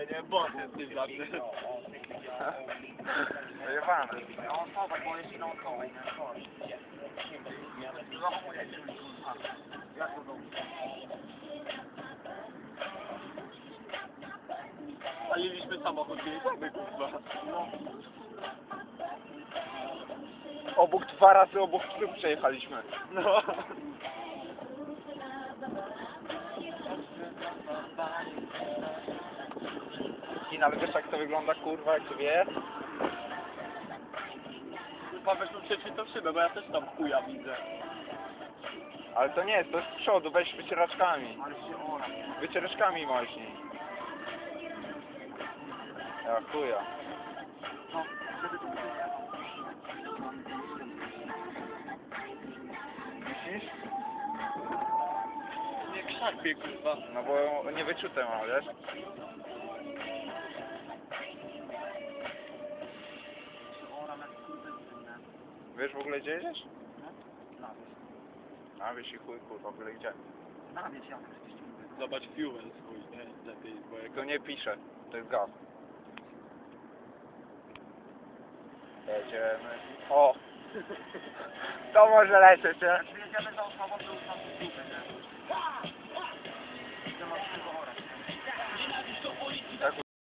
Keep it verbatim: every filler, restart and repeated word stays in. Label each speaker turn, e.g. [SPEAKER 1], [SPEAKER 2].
[SPEAKER 1] Nie, boss jest tym znaczy.
[SPEAKER 2] Wyjebane.
[SPEAKER 3] No, zobacz, bo jest inną koło, nie? Jak to dobrze?
[SPEAKER 1] Paliliśmy samochód, nie samy, kurwa.
[SPEAKER 2] Obok dwa razy obok psów przejechaliśmy.
[SPEAKER 1] No.
[SPEAKER 2] I ale wiesz jak to wygląda kurwa jak wie?
[SPEAKER 1] Kurwa, weźmy przeczytał szybę, bo ja też tam chuja widzę.
[SPEAKER 2] Ale to nie jest, to jest z przodu, weź wycieraczkami.
[SPEAKER 3] Ale się ora.
[SPEAKER 2] Wycieraczkami moźnij. Ja chuja.
[SPEAKER 3] No, żeby to było.
[SPEAKER 2] Myślisz?
[SPEAKER 1] Nie krzakwie, kurwa.
[SPEAKER 2] No bo nie wyczute mam, wiesz?
[SPEAKER 3] Ora na kurde, nie?
[SPEAKER 2] Wiesz w ogóle gdzie jedziesz?
[SPEAKER 3] Na wieś.
[SPEAKER 2] A wiesz i chuj kurwa, byle gdzie.
[SPEAKER 3] Na wieś, jak przecież ci mówię.
[SPEAKER 1] Zobacz fuel swój, nie? Lepiej, bo jak...
[SPEAKER 2] To nie pisze, to jest gaz. Jedziemy. O! To może lecieć, nie?
[SPEAKER 3] Jak jedziemy za osobą, to już tam jest dupę, nie? Że masz tego